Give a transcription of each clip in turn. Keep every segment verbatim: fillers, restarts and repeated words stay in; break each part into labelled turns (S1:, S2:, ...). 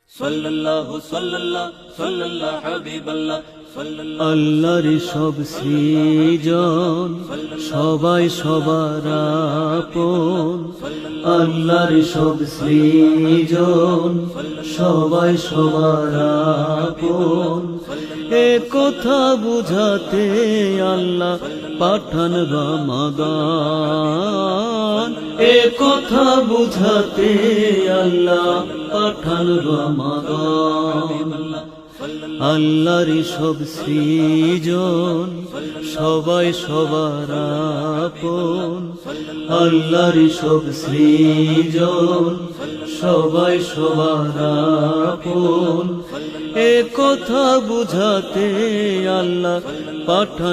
S1: সাল্লাল্লাহু সাল্লাল্লাহু সাল্লাল্লাহু হাবিবাল্লাহ
S2: আল্লাহর সব সৃজন সবাই সবার আপন, আল্লাহর সব সৃজন সবাই সবার আপন। এ কথা বুঝাতে আল্লাহ পাঠান রমাদান, এ কথা বুঝাতে আল্লাহ পাঠান রমাদান। আল্লাহর সব সৃজন সবাই সবার আপন, আল্লাহর সব সৃজন সবাই সবার আপন। এ কথা বুঝাতে আল্লাহ পাঠান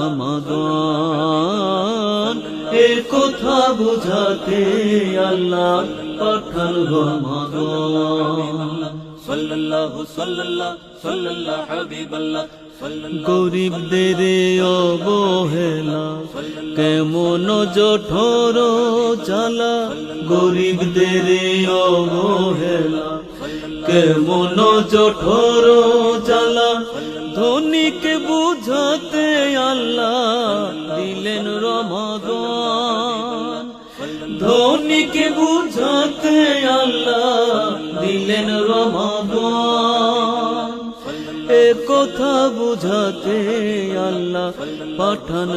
S2: রমাদান, এ কথা বুঝাতে আল্লাহ পাঠান রমাদান।
S1: সাল্লাল্লাহু সাল্লাল্লাহু সাল্লাল্লাহু হাবিবাল্লাহ
S2: গরিবদের অবহেলা কেমন জঠর জ্বালা, গরিবদের অবহেলা কেমন জঠর জ্বালা। ধনীকে বুঝাতে আল্লাহ দিলেন রমাদান, ধনীকে বুঝাতে আল্লাহ দিলেন রমাদান। এ কথা বুঝাতে আল্লাহ পাঠান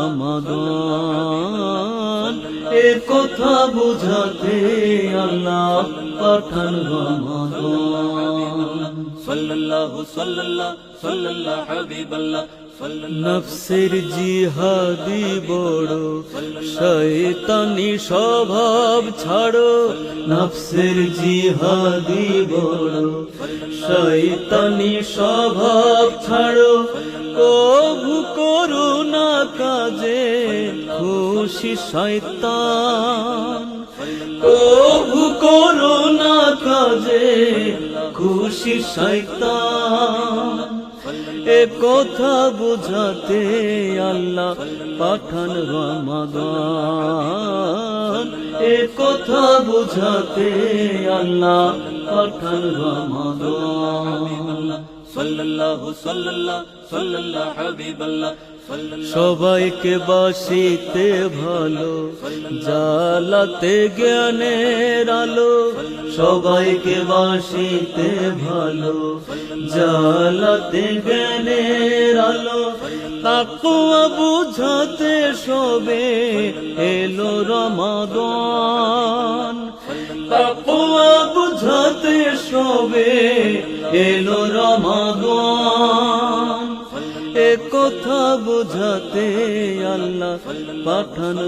S2: রমাদান, এ কথা বুঝাতে আল্লাহ পাঠান রমাদান।
S1: সাল্লাল্লাহু সাল্লাল্লাহু সাল্লাল্লাহু হাবিবাল্লাহ
S2: নফসের জিহাদি বড় শয়তানি স্বভাব ছাড়ো, নফসের জিহাদি বড় শয়তানি স্বভাব ছাড়ো। কভু করো না কাজে খুশি শয়তান, কভু করো না কাজে খুশি শয়তান। এ কথা বুঝাতে আল্লাহ পাঠান রমাদান, এ কথা বুঝাতে আল্লাহ পাঠান রমাদান।
S1: সাল্লাল্লাহু সাল্লাল্লাহু সাল্লাল্লাহু হাবিবাল্লাহ
S2: সবাইকে বাসিতে ভালো জ্বালাতে জ্ঞানের আলো, সবাইকে বাসিতে ভালো জ্বালাতে জ্ঞানের আলো। তাকওয়া বুঝাতে সবে এলো রমাদান, তাকওয়া বুঝাতে সবে এলো রমাদান। এ কথা বুঝাতে আল্লাহ পাঠান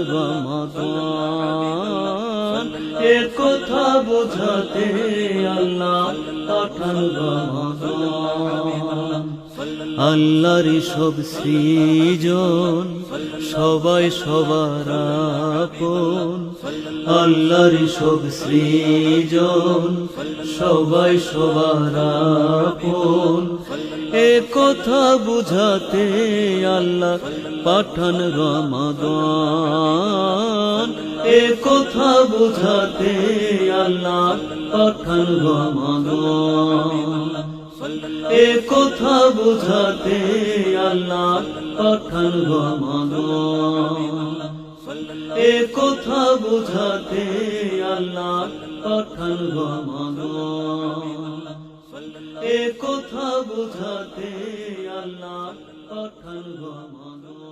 S2: রমাদান, এ কথা বুঝাতে আল্লাহ পাঠান রমাদান। আল্লাহর সব সৃজন সবাই সবার আপন, আল্লাহর সব সৃজন সবাই সবার আপন। এ কথা বুঝাতে আল্লাহ পাঠান রমাদান, এ কথা বুঝাতে আল্লাহ পাঠান রমাদান। এ কথা বুঝাতে আল্লাহ পাঠান রমাদান, এ কথা বুঝাতে আল্লাহ পাঠান রমাদান, এ কথা বুঝাতে আল্লাহ পাঠান রমাদান।